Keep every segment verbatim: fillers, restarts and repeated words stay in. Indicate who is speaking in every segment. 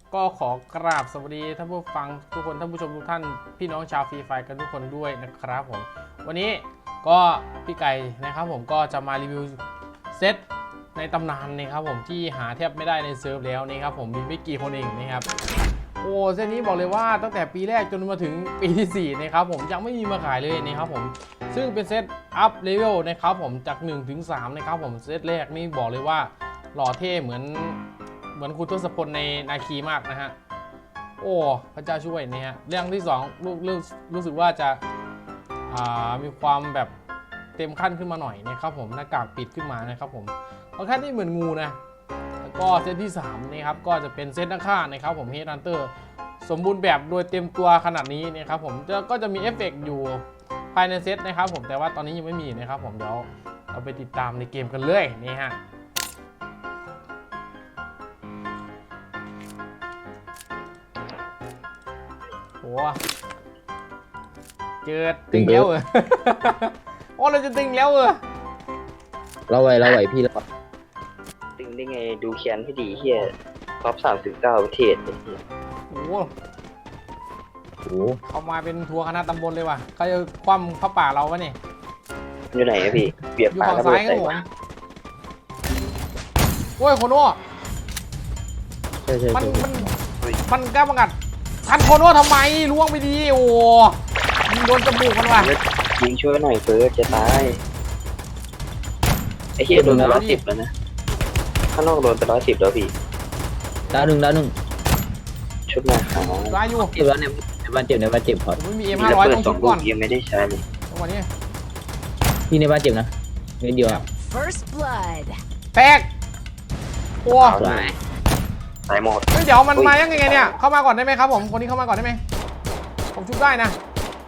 Speaker 1: ก็ขอกราบสวัสดีท่านผู้ฟังทุกคนท่านผู้ชมทุกท่านพี่น้องชาวฟรีไฟกันทุกคนด้วยนะครับผมวันนี้ก็พี่ไก่นะครับผมก็จะมารีวิวเซตในตำนานนะครับผมที่หาแทบไม่ได้ในเซิร์ฟแล้วนะครับผมมีไม่กี่คนเองนะครับโอ้เซตนี้บอกเลยว่าตั้งแต่ปีแรกจนมาถึงปีที่สี่นะครับผมยังไม่มีมาขายเลยนะครับผมซึ่งเป็นเซตอัพเลเวลนะครับผมจากหนึ่งถึงสามนะครับผมเซตแรกนี่บอกเลยว่าหล่อเท่เหมือนเหมือนคุณทศพลในนาคีมากนะฮะโอ้พระเจ้าช่วยนี่ฮะเรื่องที่สองรู้รู้รู้สึกว่าจะมีความแบบเต็มขั้นขึ้นมาหน่อยนะครับผมหน้ากากปิดขึ้นมานะครับผมเอาแค่ที่เหมือนงูนะแล้วก็เซตที่สามนะครับก็จะเป็นเซตนักฆ่านะครับผมเฮดฮันเตอร์สมบูรณ์แบบโดยเต็มตัวขนาดนี้นะครับผมก็จะมีเอฟเฟกต์อยู่ภายในเซตนะครับผมแต่ว่าตอนนี้ยังไม่มีนะครับผมเดี๋ยวเราไปติดตามในเกมกันเลยนี่ฮะโอ้เจอตึงแล้วเออโอ้เราจะตึงแล้วเออ
Speaker 2: เราไหวเราไหวพี่เรา
Speaker 3: ตึงได้ไงดูแคนให้ดีเฮียท็อปสามสิบเก้าประเทศ
Speaker 1: โอ้โหโอ้เขามาเป็นทัวร์คณะตำบลเลยว่ะเขาจะคว่ำพระป่าเราวะนี่
Speaker 3: อยู่ไหนอะพี่เบียบ
Speaker 1: อยู่ฝั่งซ้ายครับผมโอ้ยโคโน่มันมันมันกล้าบังกัดทันโคโน่ทำไมล่วงไปดีโอ้ยิงโดนจมูกมันว่ะ
Speaker 3: ยิงช่วยหน่อยเฟิร์สจะตายไอ้เฮียโดนไปร้อยสิบแล้วนะข้างนอกโดนไปร้อยสิบแล้วพี่
Speaker 2: ดาวหนึ่งดาวหนึ่ง
Speaker 3: ชุดมาขาว
Speaker 1: ร้ายอยู่
Speaker 2: เจ็บแล้วเนี่ยในบ้านเจ็บในบ้านเจ็บพอ
Speaker 1: ไม่มีเอ็มห้าร้อยต้องชุดก่อน
Speaker 3: ยังไม่ได้ใช้เลย
Speaker 1: จังหวะนี้
Speaker 2: พี่ในบ้านเจ็บนะนิดเดียว
Speaker 4: First blood
Speaker 1: แตกโอ้
Speaker 3: ตายหมด
Speaker 1: เฮ้ยเดี๋ยวมันมายังไงเนี่ยเข้ามาก่อนได้ไหมครับผมคนนี้เข้ามาก่อนได้ไหมผมชุบได้นะ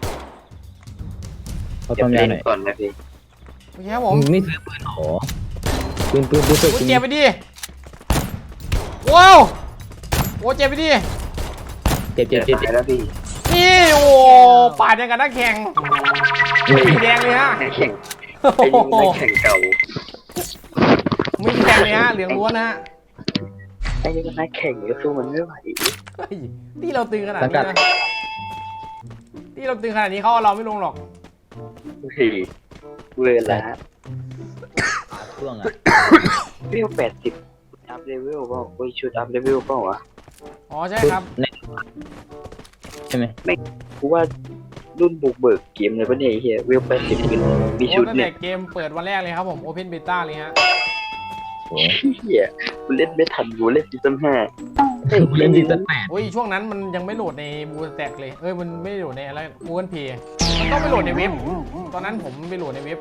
Speaker 2: เขาทำยังไง
Speaker 3: ก่อนนะพี่
Speaker 1: โอเคครับผม
Speaker 2: ไม่ซื้อปืนหรอปืนปืนปืนปืน
Speaker 1: เจ็บไปดิว้าวโอ้เจ็บไปดิ
Speaker 2: เจ็บเจ็บเจ็บ
Speaker 3: แล้วพี่
Speaker 1: นี่โอ้ปาดยังกันนักแข่งสีแดงเลยฮะ
Speaker 3: แข่งไอ้ยิงนักแข่งเก่า
Speaker 1: ไม่แข่งเลยฮะเหลืองล้วนนะ
Speaker 3: ไอ้ยิงนักแข่งก็สู้มันไม่ไหว
Speaker 1: ที่เราตึงขนาดนี้นะที่เราตึงขนาดนี้เขาเราไม่ลงหรอก
Speaker 3: เฮ้ยเวลา
Speaker 2: ช่วงอะ
Speaker 3: เรียกแปดสิบอัพเลเวลเปล่าโอ้ยชุดอัพเลเวลเปล่าวะ
Speaker 1: อ๋อใช่ครับ
Speaker 2: ใช่ไหม
Speaker 3: ไม่กูว่ารุ่นบุกเบิกเกมเลยปะเนี่ยเฮียเวลแปดสิบมีชุด
Speaker 1: เนี่ยเกมเปิดวันแรกเลยครับผมโอเพนเบต้าเลยฮะ
Speaker 3: เฮียกูเล่นไม่ทันกูเล่นซีซั่นห้า
Speaker 2: เล่นซีซั่นแปด
Speaker 1: โอ้ยช่วงนั้นมันยังไม่โหลดในบูสแต็กเลยเอ้ยมันไม่โหลดในอะไรบูนเพย์มันต้องไปโหลดในเว็บตอนนั้นผมไปโหลดในเว็บ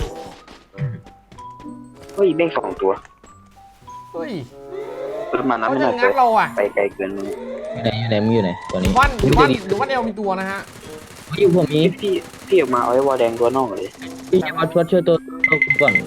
Speaker 3: เฮ้ยแม่งสองตัว
Speaker 1: เฮ้ย
Speaker 3: ประมาณนั้นไม่น่าจะไปไกลเกิน
Speaker 2: อยู่ไหนอยู่ไหนมึงอยู่ไหนตอนนี้
Speaker 1: วันหรือวันหรือวันเอลมีตัวนะฮะ
Speaker 2: อยู่ผมนี้
Speaker 3: พี่พี่ออกมาเอาไอ้วอลแดงตัวนอกเลย
Speaker 2: พี่จะมาช่วยช่วยตัวตัวก่อน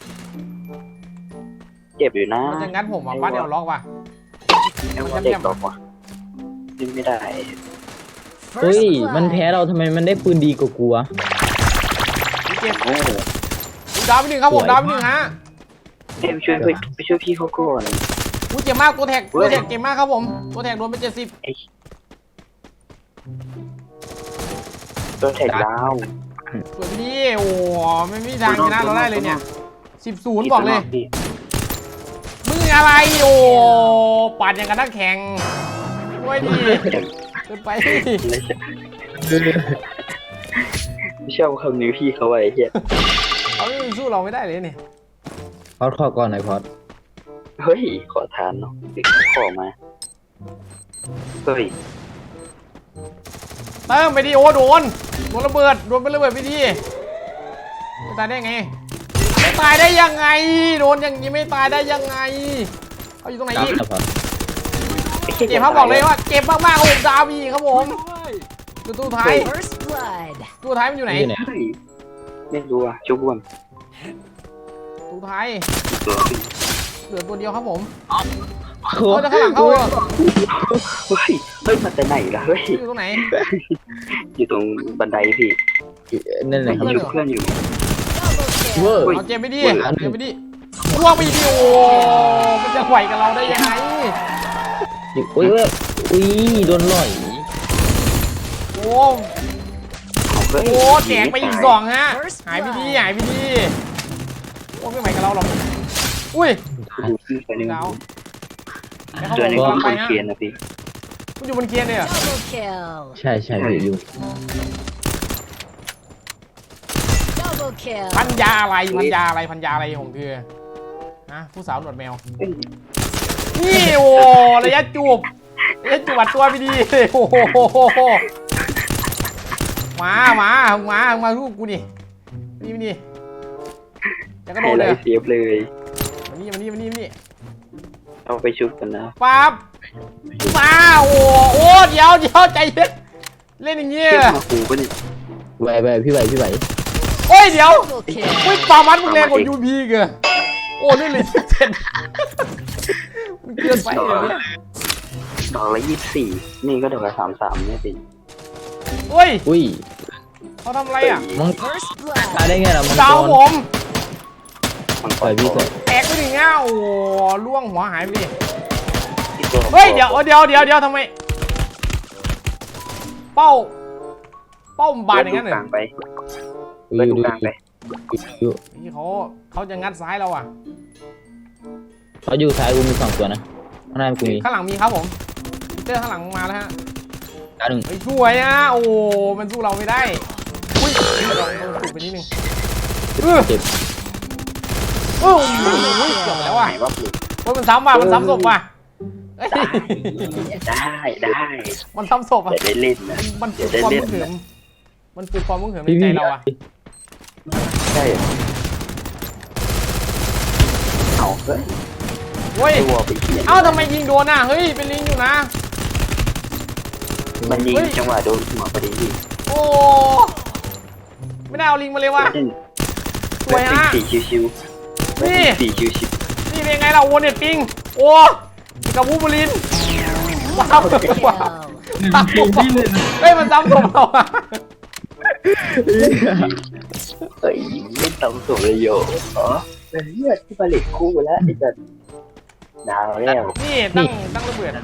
Speaker 3: เจ็บอยู่นะ
Speaker 1: มันจะงัดผมอ่ะวันเอลล็อกว่ะ
Speaker 3: มันจะเจ็บต่อว่ะยิงไม่ได้
Speaker 2: เฮ้ยมันแพ้เราทำไมมันได้ปืนดีกว่ากูวะ
Speaker 1: เจ็บโอ้ดาวไปหนึ่งครับผมดาวไปหนึ่งฮะ
Speaker 3: เอ็มช่วยไปช่วยพี่เขาก่อน
Speaker 1: กูเจ็บมากตัวแท็กตัวแท็กเจ็บมากครับผมตัวแท็กโดนไปเจ็ดสิบ
Speaker 3: ตัวแท็กดาว
Speaker 1: ส่วนนี้โอ้ไม่มีทางชนะเราได้เลยเนี่ยสิบศูนย์บอกเลยมึงอะไรโอ้ปัดอย่างกันนักแข่งโอ้ยดีเกินไป
Speaker 3: ไม่ชอบคำนี้พี่เขาไว้เฮีย
Speaker 1: เขาสู้เราไม่ได้เลยเนี่ย
Speaker 2: พอดข้อก่อนหน่อยพอด
Speaker 3: เฮ้ยขอทานเนาะติดขอมาเฮ้ย
Speaker 1: เติมไปดิโอ้โดนโดนระเบิดโดนเป็นระเบิดไปดิไม่ตายได้ไงไม่ตายได้ยังไงโดนอย่างนี้ไม่ตายได้ยังไงเขาอยู่ตรงไหนอีกเจ็บเขาบอกเลยว่าเจ็บมากๆโอ้ดาวีครับผมตัวตู้ท้ายตัวท้ายมันอยู่ไหน
Speaker 3: ไม่รู้อ่ะชุบวน
Speaker 1: ตัวท้ายเหลือตัวเดียวครับผมเขาจะข้างหลังเขา
Speaker 3: เฮ้ยเฮ้ยมาแต่ไหนล่ะเฮ้ย
Speaker 1: อยู่ตรงไหน
Speaker 3: อยู่ตรงบันไดพี่
Speaker 2: นั่นแหละ
Speaker 3: อยู่เพื่อนอยู่
Speaker 1: เวอร์เอาเจ็บไม่ดีเจ็บไม่ดีล่วงไปดิโอมันจะไหวกับเราได้ยังไง
Speaker 2: โอ้ยอุ้ยโดนหล่อย
Speaker 1: โอ้
Speaker 3: เอาเฮ้ย
Speaker 1: โหแตกไปอีกสองฮะหายไปดีหายไปดีโอ้ไม่ไหวกับเราหรอกอุ้ย
Speaker 3: ดูขึ้นไปหนึ่ง
Speaker 1: ดาวแล้วเขา
Speaker 3: ตัว
Speaker 1: บอก
Speaker 3: หนึง
Speaker 1: กำลังไป
Speaker 3: คน
Speaker 1: ฮะ
Speaker 3: เคียนนะพี่
Speaker 1: มันอยู่บนเคียนเนี่ย
Speaker 4: Double kill.
Speaker 2: ใช่ใช่พี่อยู่
Speaker 4: Double kill.
Speaker 1: พันยาอะไรพันยาอะไรพันยาอะไรของเธอฮะผู้สาวหนวดแมว นี่โอ้ระยะจูบระยะจูบอัดตัวไม่ดีโอ้โหมามามามาลูกกูนี่นี่นี่จะกระโด
Speaker 3: ให้
Speaker 1: ด
Speaker 3: ไร
Speaker 1: เลย
Speaker 3: เสียบเลย
Speaker 1: มานี่มานี่มานี่มานี่
Speaker 3: เอาไปชุบกันนะ
Speaker 1: ปั๊บมาโอ้โอ้เดี๋ยวเดี๋ยวใจเย็นเล่นอย่างเงี้ย
Speaker 3: เทียบมาคูปะเนี่ย
Speaker 2: ไหวไหวพี่ไหวพี่ไหว
Speaker 1: โอ้ยเดี๋ยว
Speaker 4: Double kill.
Speaker 1: อุ้ยปามันมึงแรงกว่ายูพีเกอโอ้นี่เลยเจ็ดมันเกินไปเลยเนี่ย
Speaker 3: ดอกละยี่สิบสี่นี่ก็ดอกละสามสามเนี่ยพี่
Speaker 1: โอ้ย
Speaker 2: อุ้ย
Speaker 1: เขาทำอะไรอ่ะ
Speaker 2: มัง
Speaker 4: First blood.
Speaker 2: ตายได้ไงล่ะมัง
Speaker 1: ดาว
Speaker 2: ก
Speaker 1: ผ
Speaker 2: ร
Speaker 1: ม
Speaker 3: มัน
Speaker 2: ปล่อยพี่ก่อน
Speaker 1: แตกไปหนึ่งเงาโอ้ล่วงหัวหายไปดิ
Speaker 3: ที่ตัว
Speaker 1: เฮ้ยเดี๋ยวเดี๋ยวเดี๋ยวเดี๋ยวทำไมเป้าเป้าบานอย่างนั้นเหร
Speaker 3: ก
Speaker 1: อ
Speaker 3: ลางไป
Speaker 2: อยู่
Speaker 3: เปิด
Speaker 2: อยู่
Speaker 3: กลางไป
Speaker 2: อยู่
Speaker 1: นี่เขาเขาจะงัดซ้ายเราอ่ะ
Speaker 2: เขาอยู่ซ้ายกูมีสองตัวนะข้างหน้ากูมี
Speaker 1: ข้างหลังมีครับผมเจอข้างหลังมาแล้วฮะ
Speaker 2: ดาวหนึ่ง
Speaker 1: เฮ้ยสวยอ่ะโอ้มันสู้เราไม่ได้อุ้ยเราเราถูกไปนิดนึงเออ
Speaker 2: เจ็บ
Speaker 1: เอออุ้ยเกือบแล้วอ่ะ
Speaker 3: หายวับเลย
Speaker 1: โอ้ยมันซ้ำว่ะมันซ้ำศพว่ะเอ้ย
Speaker 3: ได้ได้
Speaker 1: มันซ้ำศพอ่ะ
Speaker 3: เดี๋ยวได้เล่นนะ
Speaker 1: มันปลุกความมึงเหิมมันปลุกความมึงเหิมใน
Speaker 2: พี่
Speaker 1: ใจ
Speaker 2: พี่
Speaker 1: เราอ่ะ
Speaker 3: ใช่เอาเฮ้ย
Speaker 1: เฮ้ย
Speaker 3: ตัวไปเขียน
Speaker 1: เอ้าทำไมยิงโดนอ่ะเฮ้ยเป็นลิงอยู่นะ
Speaker 3: มันยิง
Speaker 1: เฮ้ย
Speaker 3: จังหวะโดนหัวพอดีพี่
Speaker 1: โอ้ไม่ได้เอาลิงมาเลยว่ะ
Speaker 3: เล่น
Speaker 1: สวยฮะ
Speaker 3: สี่ชิวๆ
Speaker 1: นี่
Speaker 3: สี่ชิว
Speaker 1: นี่เป็นไงเราโอเน็ตปิงโอ้กับวูบูลินว้าว
Speaker 4: Kill.
Speaker 1: ว้าวเฮ้ยมันซ้ำศพเราอ่ะ
Speaker 3: ๆเอ้ยไม่ต้องส่งเลยโยอ๋อเป็นเลือดที่ผลิตคู่แล้วไอ้จัดดาวแล้ว
Speaker 1: นี่ตั้งตั้งระเบิด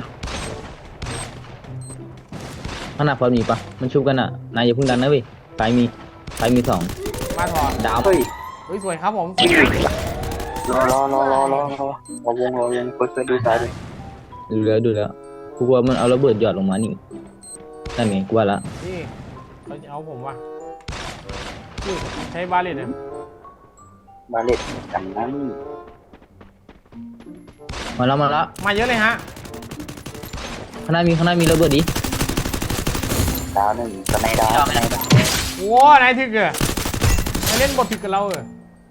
Speaker 2: ข้างหน้าพอมีปะมันชุบกันอ่ะนายอย่าเพิ่งดันนะเว้ยซ้ายมีซ้ายมีสอง
Speaker 1: มาถอด
Speaker 2: ดาว
Speaker 3: เฮ้ย
Speaker 1: เฮ้ยสวยครับผม
Speaker 3: รอรอรอรอรอรอรอวงรอวงเปิดเปิดดูซ้ายเลย
Speaker 2: ดูแล้วดูแล้วกูว่ามันเอาระเบิดหยอดลงมานี่นั่นไงกูว่าละ
Speaker 1: นี่เขาจะเอาผมว่ะนี่ใช้บาเลตเนี่ย
Speaker 3: มาเล่นกันนั้น
Speaker 2: มาแล้วมาแล้ว
Speaker 1: มาเยอะเลยฮะ
Speaker 2: ข้างหน้ามีข้างหน้ามีระเบิดดิ
Speaker 3: ดาวหนึ่งสไนดาวสไนดาว
Speaker 1: โอ้นายถึกเหรอมาเล่นบทถึกกับเราเหรอ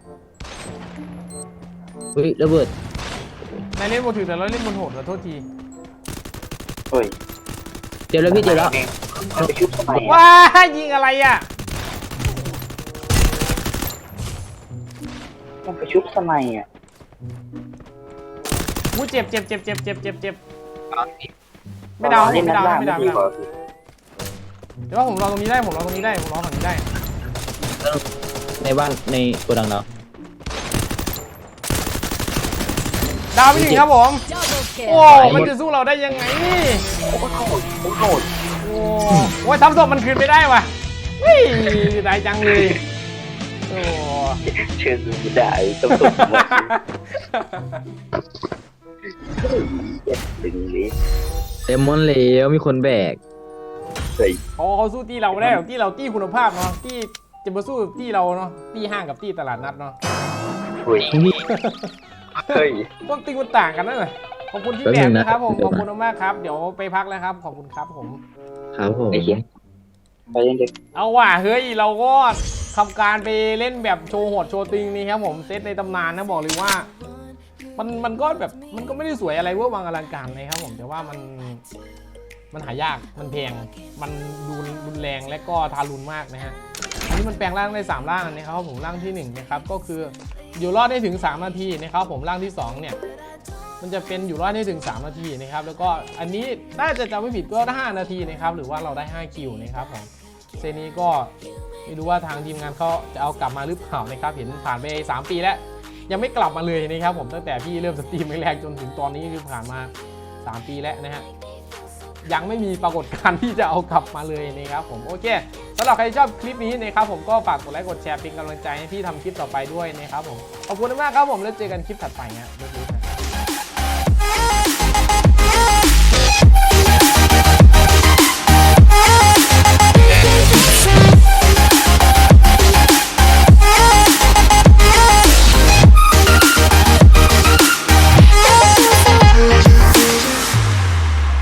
Speaker 2: เฮ้ยระเบิด
Speaker 1: นายเล่นบทถึกแต่เราเล่นบนโหดขอโทษที
Speaker 3: เฮ้ย
Speaker 2: เจ็บแล้วพี่เจ็บแล้ว
Speaker 3: มันไปชุบสมัย
Speaker 1: ว้ายิงอะไรอ่ะ
Speaker 3: มันไปชุบสมัยอ่ะ
Speaker 1: วู้เจ็บเจ็บเจ็บเจ็บเจ็บเจ็บเจ็บไม่ดาว
Speaker 3: เล่น
Speaker 1: ไม่
Speaker 3: ด้าน
Speaker 1: ดาว
Speaker 3: ล่าง
Speaker 1: ไม่
Speaker 3: ไม่
Speaker 1: ดาว
Speaker 3: ดี
Speaker 1: ไม่
Speaker 3: ก
Speaker 1: ดาว
Speaker 3: ว่า
Speaker 1: เดี๋ยวว่าผมรอตรงนี้ได้ผมรอตรงนี้ได้ผมรอฝั่งนี้ได้
Speaker 2: ในบ้านในโกดังเรา
Speaker 1: ดาวไปหนึ่งครับผม
Speaker 4: Double
Speaker 1: โอ้
Speaker 4: kill.
Speaker 1: มันจะสู้เราได้ยังไง
Speaker 3: โอ้โหโอ้โห
Speaker 1: โอ้โหทำศพมันคืนไม่ได้ว่ะเฮ้ยได้จังเลยโอ้
Speaker 3: เชิญดูได้ต้องตกมาเจ็บตึงเลย
Speaker 2: เต็มมอนเหลวมีคนแบก
Speaker 3: เฮ้ย
Speaker 1: เขาเขาสู้ตีเราไม่ได้หรอกตีเราตีคุณภาพเนาะตีจะมาสู้ตีเราเนาะตีห้างกับตีตลาดนัดเนาะ
Speaker 3: เฮ้ย
Speaker 2: พี่
Speaker 3: เฮ้ย
Speaker 1: ต้นตีมันต่างกันนั่นแหละขอบคุณที่
Speaker 2: แป๊บ
Speaker 1: แบ
Speaker 2: นึ
Speaker 1: ก
Speaker 2: งนะ
Speaker 1: นะครับผม
Speaker 2: เดี๋
Speaker 1: ข
Speaker 2: ยว
Speaker 1: อบ
Speaker 2: นะ
Speaker 1: คุณมากครับเดี๋ยวไปพักแล้วครับขอบคุณครับผม
Speaker 2: ครับผม
Speaker 3: ไอ้เหี้ยไปยังเด็ก
Speaker 1: เอาว่ะเฮ้ยเราก็ทำการไปเล่นแบบโชว์โหดโชว์ติงนี่ครับผมเซตในตำนานนะบอกเลยว่า มันมันก็แบบมันก็ไม่ได้สวยอะไรเวอร์วังอลังการนะครับผมแต่ว่ามันมันหายากมันแพงมันดูรุนแรงและก็ทารุณมากนะฮะอันนี้มันแปลงร่างได้สามร่างนะครับผมร่างที่หนึ่งนะครับก็คืออยู่รอดได้ถึงสามนาทีนะครับผมร่างที่สองเนี่ยมันจะเป็นอยู่รอดได้ถึงสามนาทีนะครับแล้วก็อันนี้น่าจะจำไม่ผิดก็ห้านาทีนะครับหรือว่าเราได้ห้าคิวนะครับผมเซตนี้ก็ไม่รู้ว่าทางทีมงานเขาจะเอากลับมาหรือเปล่านะครับเห็นผ่านไปสามปีแล้วยังไม่กลับมาเลยนะครับผมตั้งแต่พี่เริ่มสตรีมแรกๆจนถึงตอนนี้คือผ่านมาสามปีแล้วนะฮะยังไม่มีปรากฏการณ์ที่จะเอากลับมาเลยนะครับผมโอเคสำหรับใครที่ชอบคลิปนี้นะครับผมก็ฝากกดไลค์กดแชร์เป็นกำลังใจให้พี่ทำคลิปต่อไปด้วยนะครับผมขอบคุณมากครับผมแล้วเจอกันคลิปถัดไปนะ